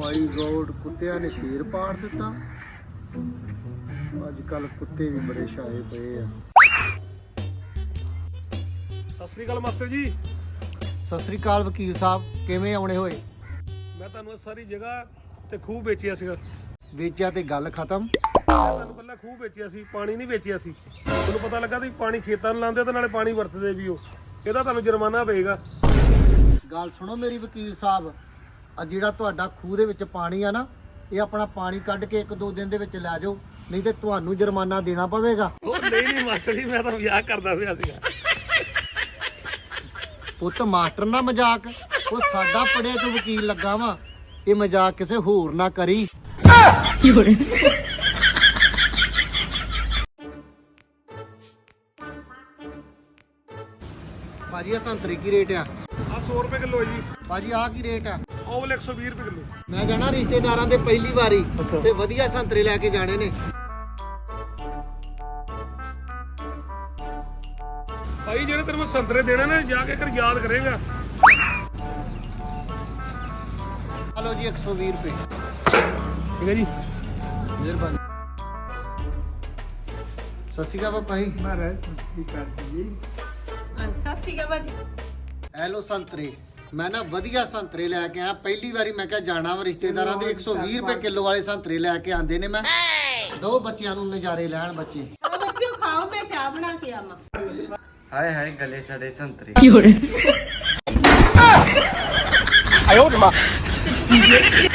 ਮਾਈ God, ਕੁੱਤਿਆਂ ਨੇ ਸ਼ੇਰ ਪਾੜ ਦਿੱਤਾ। ਅੱਜ ਕੱਲ ਕੁੱਤੇ ਵੀ ਬੜੇ ਛਾਏ ਪਏ ਆ। ਸਤਿ ਸ੍ਰੀ ਅਕਾਲ ਮਾਸਟਰ ਜੀ। ਸਤਿ ਸ੍ਰੀ ਅਕਾਲ ਵਕੀਲ ਸਾਹਿਬ, ਕਿਵੇਂ ਆਉਣੇ ਹੋਏ? ਮੈਂ ਤੁਹਾਨੂੰ ਸਾਰੀ ਜਗ੍ਹਾ ਤੇ ਖੂਹ ਵੇਚਿਆ ਸੀਗਾ। ਵੇਚਿਆ ਤੇ ਗੱਲ ਖਤਮ। ਮੈਂ ਤੁਹਾਨੂੰ ਪਹਿਲਾਂ ਖੂਹ ਵੇਚਿਆ ਸੀ, ਪਾਣੀ ਨਹੀਂ ਵੇਚਿਆ ਸੀ। ਤੁਹਾਨੂੰ ਪਤਾ ਲੱਗਾ ਤੁਸੀਂ ਪਾਣੀ ਖੇਤਾਂ ਨੂੰ ਲਾਉਂਦੇ ਤੇ ਨਾਲੇ ਪਾਣੀ ਵਰਤਦੇ ਵੀ ਹੋ। ਇਹਦਾ ਤੁਹਾਨੂੰ ਜੁਰਮਾਨਾ ਪਏਗਾ। ਗੱਲ ਸੁਣੋ ਮੇਰੀ ਵਕੀਲ ਸਾਹਿਬ, ਆ ਜਿਹੜਾ ਤੁਹਾਡਾ ਖੂਹ ਦੇ ਵਿੱਚ ਪਾਣੀ ਆ ਨਾ, ਇਹ ਆਪਣਾ ਪਾਣੀ ਕੱਢ ਕੇ 1-2 ਦਿਨ ਦੇ ਵਿੱਚ ਲੈ ਜਾਓ, ਨਹੀਂ ਤੇ ਤੁਹਾਨੂੰ ਜੁਰਮਾਨਾ ਦੇਣਾ ਪਵੇਗਾ। ਉਹ ਨਹੀਂ ਮਾਸਟਰ ਜੀ, ਮੈਂ ਤਾਂ ਮਜ਼ਾਕ ਕਰਦਾ ਪਿਆ ਸੀਗਾ। ਪੁੱਤ ਮਾਸਟਰ ਨਾ ਮਜ਼ਾਕ, ਉਹ ਸਾਡਾ ਪੜਿਆ ਤੂੰ ਵਕੀਲ ਲੱਗਾ ਵਾ, ਇਹ ਮਜ਼ਾਕ ਕਿਸੇ ਹੋਰ ਨਾ ਕਰੀ। ਭਾਜੀ ਆ ਸੰਤਰੇ ਕੀ ਰੇਟ ਆ? ਆ 100 ਰੁਪਏ ਕਿਲੋ ਹੈ ਜੀ। ਭਾਜੀ ਆ ਕੀ ਰੇਟ ਆ? ਉਹ ਵਾਲੇ 120 ਰੁਪਏ ਕਿਲੋ। ਮੈਂ ਜਾਣਾ ਰਿਸ਼ਤੇਦਾਰਾਂ ਦੇ ਪਹਿਲੀ ਵਾਰੀ, ਤੇ ਵਧੀਆ ਸੰਤਰੇ ਲੈ ਕੇ ਜਾਣੇ ਨੇ। ਭਾਈ ਜਿਹੜੇ ਤੈਨੂੰ ਮੈਂ ਸੰਤਰੇ ਦੇਣੇ ਨੇ, ਜਾ ਕੇ ਕਰ ਯਾਦ ਕਰੇਗਾ। ਹਲੋ ਜੀ 120 ਰੁਪਏ। ਠੀਕ ਹੈ ਜੀ, ਮਿਹਰਬਾਨੀ। ਸਤਿ ਸ਼੍ਰੀ ਅਕਾਲ ਪਾਪਾ ਜੀ। ਸਤਿ ਸ਼੍ਰੀ ਅਕਾਲ ਭਾਜੀ। ਹੈਲੋ ਸੰਤਰੇ, ਮੈਂ ਨਾ ਵਧੀਆ ਸੰਤਰੇ ਲੈ ਕੇ ਆਇਆ। ਪਹਿਲੀ ਵਾਰੀ ਮੈਂ ਕਿਹਾ ਜਾਣਾ ਵਾ ਰਿਸ਼ਤੇਦਾਰਾਂ ਦੇ, 120 ਰੁਪਏ ਕਿਲੋ ਵਾਲੇ ਸੰਤਰੇ ਲੈ ਕੇ ਆਂਦੇ ਨੇ। ਮੈਂ ਦੋ ਬੱਚਿਆਂ ਨੂੰ ਨਜ਼ਾਰੇ ਲੈਣ ਬੱਚੇ। ਆ ਬੱਚਿਓ ਖਾਓ, ਮੈਂ ਚਾਹ ਬਣਾ ਕੇ ਆਵਾਂ। ਹਾਏ ਹਾਏ ਗਲੇ ਸਾਡੇ ਸੰਤਰੇ। ਆਇਓ